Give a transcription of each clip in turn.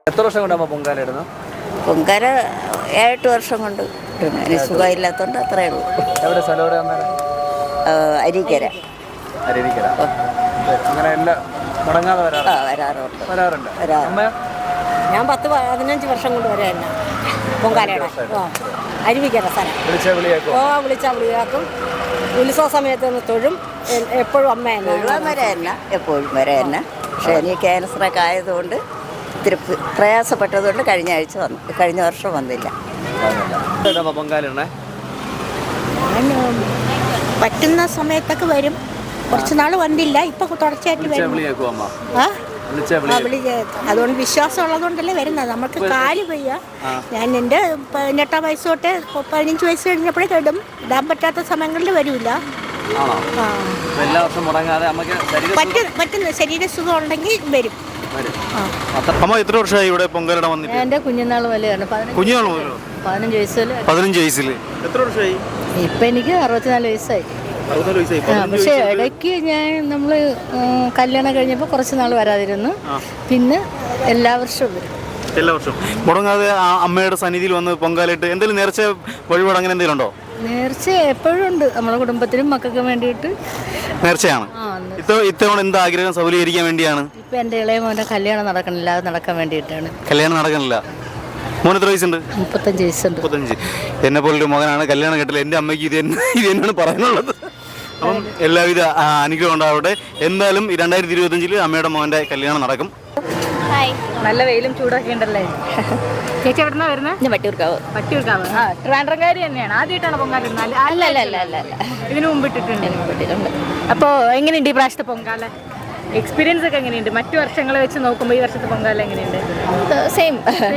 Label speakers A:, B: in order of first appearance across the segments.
A: എത്ര വർഷം കൊണ്ടാകുമ്പോ പൊങ്കാല ഇടുന്നു?
B: പൊങ്കാല 7-8 വർഷം കൊണ്ട് സുഖമില്ലാത്തതുകൊണ്ട് അത്രേ ഉള്ളൂ.
A: എവിടെ സ്ഥലം? എവിടെ വന്നാലും
B: അരീക്കര.
A: അരുവിക്കര. അങ്ങനെ എല്ലാം മുടങ്ങാതെ
B: വരാറുണ്ട്.
A: വരാറുണ്ട്.
C: ഞാൻ 10-15 വർഷം കൊണ്ട് വരെ തന്നെ പൊങ്കാലയുടെ അരുവിക്കര സ്ഥലം.
A: വിളിച്ചാൽ
C: വിളിയാക്കും. ഉത്സവ സമയത്ത് തൊഴും. എപ്പോഴും അമ്മ
B: വരെ തന്നെ, എപ്പോഴും വരെ തന്നെ. പക്ഷേ എനിക്ക് ക്യാൻസറൊക്കെ ആയതുകൊണ്ട് ഇത്തിരി പ്രയാസപ്പെട്ടതുകൊണ്ട് കഴിഞ്ഞ വർഷം വന്നില്ല.
A: പൊങ്കാല
C: പറ്റുന്ന സമയത്തൊക്കെ വരും. കുറച്ച് നാൾ വന്നില്ല, ഇപ്പൊ തുടർച്ചയായിട്ട് വരും. അതുകൊണ്ട് വിശ്വാസം ഉള്ളതുകൊണ്ടല്ലേ വരുന്നത്. നമുക്ക് കാല് വയ്യ. ഞാൻ എൻ്റെ 18 വയസ്സ് തൊട്ട് 15 വയസ്സ് കഴിഞ്ഞപ്പോഴേ ഇടും. ഇടാൻ പറ്റാത്ത സമയങ്ങളിൽ വരില്ല. പറ്റുന്ന ശരീരസുഖം ഉണ്ടെങ്കിൽ വരും.
D: അമ്മ എത്ര വർഷമായി ഇവിടെ പൊങ്കാല വന്നിട്ട്?
C: എൻ്റെ കുഞ്ഞുനാൾ വരെയാണ്.
D: 15 വയസ്സിൽ. എത്ര വർഷമായി?
C: ഇപ്പൊ എനിക്ക് 64 വയസ്സായി. പക്ഷെ ഇടയ്ക്ക് നമ്മൾ കല്യാണം കഴിഞ്ഞപ്പോൾ കുറച്ച് നാൾ വരാതിരുന്നു. പിന്നെ എല്ലാ വർഷവും വരും.
D: എല്ലാ വർഷവും മുടങ്ങാതെ അമ്മയുടെ സന്നിധിയിൽ വന്ന് പൊങ്കാലിട്ട് എന്തെങ്കിലും നേർച്ച വഴിപാട് അങ്ങനെ എന്തെങ്കിലും ഉണ്ടോ?
C: നേർച്ച എപ്പോഴും ഉണ്ട്. നമ്മുടെ കുടുംബത്തിനും മക്കൾക്കും വേണ്ടിയിട്ട്
D: നേർച്ചയാണ്. ഇത്തവണ എന്താ ആഗ്രഹം സൗകര്യീകരിക്കാൻ വേണ്ടിയാണ്?
C: ഇപ്പൊ എൻ്റെ ഇളയ മോൻ്റെ കല്യാണം നടക്കണില്ല, അത് നടക്കാൻ വേണ്ടിയിട്ടാണ്.
D: കല്യാണം നടക്കണില്ല. മോന് എത്ര വയസ്സുണ്ട്?
C: 35 വയസ്സുണ്ട്.
D: 35. എന്നെ പോലൊരു മകനാണ്, കല്യാണം കേട്ടില്ല. എൻ്റെ അമ്മയ്ക്ക് ഇത് തന്നെയാണ് പറയാനുള്ളത്. അപ്പം എല്ലാവിധ അനുഗ്രഹം ഉണ്ടാവട്ടെ. എന്തായാലും 2025 അമ്മയുടെ മോൻ്റെ കല്യാണം നടക്കും.
C: നല്ല വെയിലും ചൂടൊക്കെ ഉണ്ടല്ലേ. ചേച്ചി എവിടുന്നാ വരുന്നത്? വട്ടിയൂർക്കാവ്. ട്രിവാൻഡ്രംകാരി തന്നെയാണ്. ആദ്യമായിട്ടാണ് പൊങ്കാല ഇടുന്നത്? അല്ല, ഇതിനു മുമ്പ് ഇട്ടിട്ടുണ്ട്. അപ്പോൾ എങ്ങനെയുണ്ട് ഈ പ്രാവശ്യത്തെ പൊങ്കാല? എക്സ്പീരിയൻസ് ഒക്കെ എങ്ങനെയുണ്ട്? മറ്റു വർഷങ്ങളെ വെച്ച് നോക്കുമ്പോൾ ഈ വർഷത്തെ പൊങ്കാല എങ്ങനെയുണ്ട്?
B: സെയിം.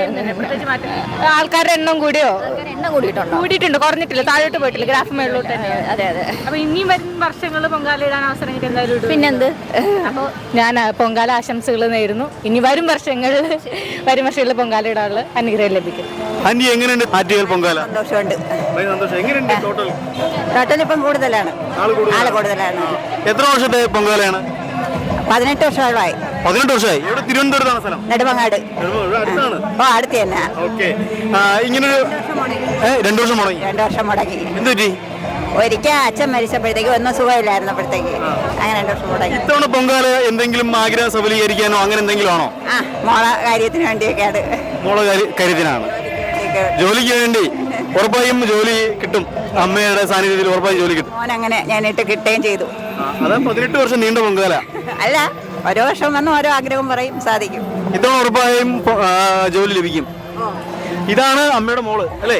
C: ആൾക്കാരുടെ എണ്ണം കൂടിയോ? കൂടിയിട്ടുണ്ട്, കുറഞ്ഞിട്ടില്ല, താഴോട്ട് പോയിട്ടില്ല, ഗ്രാഫ് മേളിലോട്ട് തന്നെ. അതെ. അപ്പൊ ഇനിയും വരും വർഷങ്ങൾ പൊങ്കാല ഇടാൻ അവസരം കിട്ടി എന്തായാലും.
B: പിന്നെന്ത്?
C: അപ്പോൾ ഞാൻ പൊങ്കാല ആശംസകൾ നേരുന്നു. ഇനി വരും വർഷങ്ങളിൽ പൊങ്കാല ഇടാനുള്ള അനുഗ്രഹം ലഭിക്കും.
D: എങ്ങനെയുണ്ട് ആറ്റുകാൽ പൊങ്കാല?
B: സന്തോഷമുണ്ട്.
D: എങ്ങനെയുണ്ട്
B: ടോട്ടൽ ഇപ്പം കൂടുതലാണ്. ആള് കൂടുതലാണ്.
D: എത്ര വർഷത്തെ പൊങ്കാലയാണ്?
B: 18 വർഷമായി.
D: 18 വർഷമായി. ഇവിടെ തിരുവനന്തപുരത്താണ് സ്ഥലം?
B: നെടുമങ്ങാട്. അടുത്ത് തന്നെ.
D: ഇങ്ങനൊരു 2 വർഷം മുടങ്ങി.
B: 2 വർഷം മുടങ്ങി.
D: എന്ത് പറ്റി?
B: ഒരിക്കൽ അച്ഛൻ മരിച്ചപ്പോഴത്തേക്ക് ഒന്നും സുഖമില്ലായിരുന്നപ്പോഴത്തേക്ക് അങ്ങനെ 2 വർഷം മുടങ്ങി.
D: ഇത്തവണ പൊങ്കാല എന്തെങ്കിലും ആഗ്രഹം സഫലീകരിക്കാനോ അങ്ങനെ എന്തെങ്കിലും ആണോ?
B: മോളെ കാര്യത്തിന് വേണ്ടിയൊക്കെയാണ്.
D: മോളെ കാര്യത്തിനാണ്. ജോലിക്ക് വേണ്ടി ഉറപ്പായും ജോലി കിട്ടും. അമ്മയുടെ സാന്നിധ്യത്തിൽ ഉറപ്പായും ജോലി കിട്ടും.
B: മോനങ്ങനെ ഞാനിട്ട് കിട്ടുകയും ചെയ്തു.
D: അതാ 18 വർഷം നീണ്ട പൊങ്കാല.
B: അല്ല, ഓരോ വർഷം വന്ന് ഓരോ ആഗ്രഹം പറയും, സാധിക്കും.
D: ഇത്തവണ ഉറപ്പായും ജോലി ലഭിക്കും. ഇതാണ് അമ്മയുടെ മോള് അല്ലേ?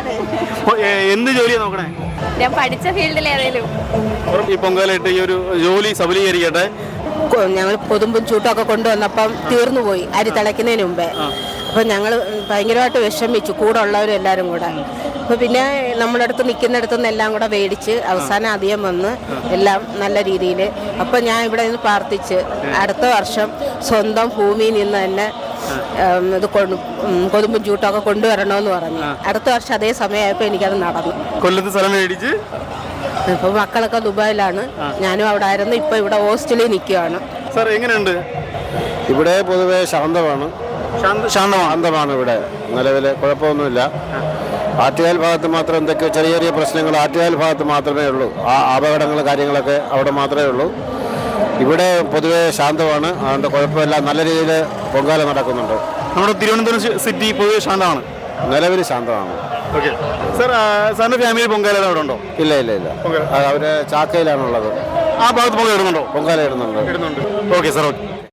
D: എന്ത് ജോലിയാ നോക്കണേ?
C: ഞാൻ പഠിച്ച ഫീൽഡിൽ ഏതെങ്കിലും.
D: ഈ പൊങ്കാലയിട്ട് ഈ ഒരു ജോലി സഫലീകരിക്കട്ടെ.
E: ഞങ്ങൾ കൊതുമ്പും ചൂട്ടൊക്കെ കൊണ്ടുവന്നപ്പം തീർന്നുപോയി അരി തിളയ്ക്കുന്നതിന് മുമ്പേ. അപ്പം ഞങ്ങൾ ഭയങ്കരമായിട്ട് വിഷമിച്ചു, കൂടെ ഉള്ളവരും എല്ലാവരും കൂടെ. അപ്പോൾ പിന്നെ നമ്മുടെ അടുത്ത് നിൽക്കുന്നിടത്തുനിന്ന് എല്ലാം കൂടെ മേടിച്ച് അവസാനം അധികം വന്ന് എല്ലാം നല്ല രീതിയിൽ. അപ്പോൾ ഞാൻ ഇവിടെ നിന്ന് പ്രാർത്ഥിച്ച് അടുത്ത വർഷം സ്വന്തം ഭൂമിയിൽ നിന്ന് തന്നെ ഇത് കൊതുമ്പും ചൂട്ടൊക്കെ കൊണ്ടുവരണമെന്ന് പറഞ്ഞു. അടുത്ത വർഷം അതേ സമയമായപ്പോൾ എനിക്കത് നടന്നു.
D: കൊല്ലത്ത് സ്ഥലം മേടിച്ച്.
E: ഇപ്പോൾ മക്കളൊക്കെ ദുബായിലാണ്, ഞാനും അവിടെ ആയിരുന്നു. ഇപ്പോൾ ഇവിടെ ഹോസ്റ്റലിൽ നിൽക്കുകയാണ്.
D: സാർ എങ്ങനെയുണ്ട്?
F: ഇവിടെ പൊതുവെ ശാന്തമാണ്. ഇവിടെ നിലവിൽ കുഴപ്പമൊന്നുമില്ല. ആറ്റുകാൽ ഭാഗത്ത് മാത്രം എന്തൊക്കെ ചെറിയ ചെറിയ പ്രശ്നങ്ങൾ ആറ്റുകാൽ ഭാഗത്ത് മാത്രമേ ഉള്ളൂ. അപകടങ്ങൾ കാര്യങ്ങളൊക്കെ അവിടെ മാത്രമേ ഉള്ളൂ. ഇവിടെ പൊതുവെ ശാന്തമാണ്. അതുകൊണ്ട് കുഴപ്പമില്ല, നല്ല രീതിയിൽ പൊങ്കാല നടക്കുന്നുണ്ട്.
D: നമ്മുടെ തിരുവനന്തപുരം സിറ്റി പൊതുവെ ശാന്തമാണ്,
F: നിലവിൽ ശാന്തമാണ്.
D: ഓക്കെ സാർ, സാറിൻ്റെ ഫാമിലി പൊങ്കാല അവിടെ ഉണ്ടോ?
F: ഇല്ല. അവര് ചാക്കയിലാണുള്ളത്.
D: ആ ഭാഗത്ത് പൊങ്കാല ഇടുന്നുണ്ടോ?
F: പൊങ്കാല ഇടുന്നുണ്ട്.
D: Okay sir. ഓക്കെ.